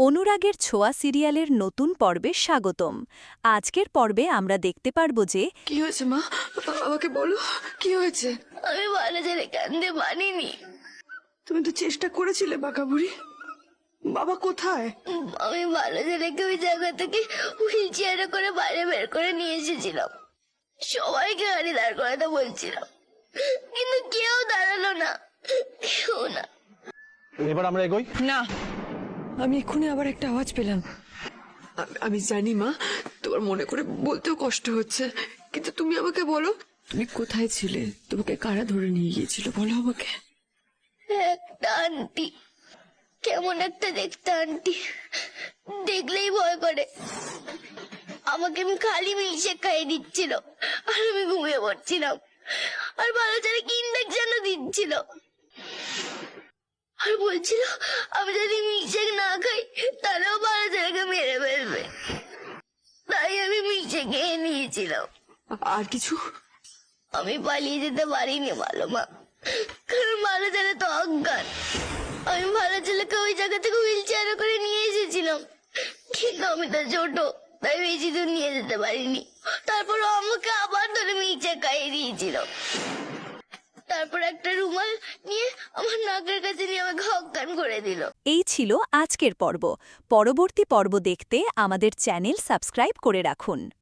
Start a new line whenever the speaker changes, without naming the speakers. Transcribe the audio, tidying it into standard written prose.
অনুরাগের ছোঁয়া সিরিয়ালের নতুন পর্বে স্বাগতম। আজকের পর্বে আমরা দেখতে পারব যে
কি হয়েছে মা? আমাকে বলো, কি হয়েছে?
আমি ভালো ছেলে কান্দে মানিনি।
তুমি তো চেষ্টা করেছিলে বাঁকা বুড়ি। বাবা কোথায়?
আমি ভালো ছেলেকে ওই জায়গা থেকে হুইল চেয়ারে করে বাইরে বের করে নিয়ে এসেছিলাম। সবাইকে গাড়ি দাঁড় করাতে বলছিলাম, কিন্তু কেউ দাঁড়ালো না, কেউ না।
এবার আমরা এগোই।
না, আমি এক্ষুনি আবার একটা আওয়াজ পেলাম। আমি জানি মা, তোমার মনে করে বলতেও কষ্ট হচ্ছে, কিন্তু তুমি আমাকে বলো, তুমি কোথায় ছিলে? তোমাকে কারা ধরে নিয়ে গিয়েছিল বলো আমাকে।
একটা আন্টি, কেমন একটা দেখতে আন্টি, দেখলেই ভয় করে। আমাকে আমি খালি মিশে খাইয়ে দিচ্ছিল, আর আমি ঘুমিয়ে পড়ছিলাম। আর ভালো ছেলে কি ইঞ্জেকশন দিচ্ছিল, আর বলছিল আমি যদি মিশে না খাই তাহলেও ভালো ছেলেকে মেরে ফেলবে। তাই আমি মিশে খেয়ে নিয়েছিলাম।
আর কিছু?
আমি পালিয়ে যেতে পারিনি ভালো মা, কারণ ভালো ছেলে তো অজ্ঞান। আমি ভালো ছেলেকে ওই জায়গা থেকে হুইল চেয়ারে করে নিয়ে এসেছিলাম, কিন্তু আমি তো ছোট, তাই বেশি দূর নিয়ে যেতে পারিনি। তারপর আমাকে আবার ধরে মিচে খাইয়ে দিয়েছিল। তারপর একটা রুমাল নিয়ে আমার নাকের কাছে নিয়ে আমাকে অজ্ঞান করে দিল।
এই ছিল আজকের পর্ব। পরবর্তী পর্ব দেখতে আমাদের চ্যানেল সাবস্ক্রাইব করে রাখুন।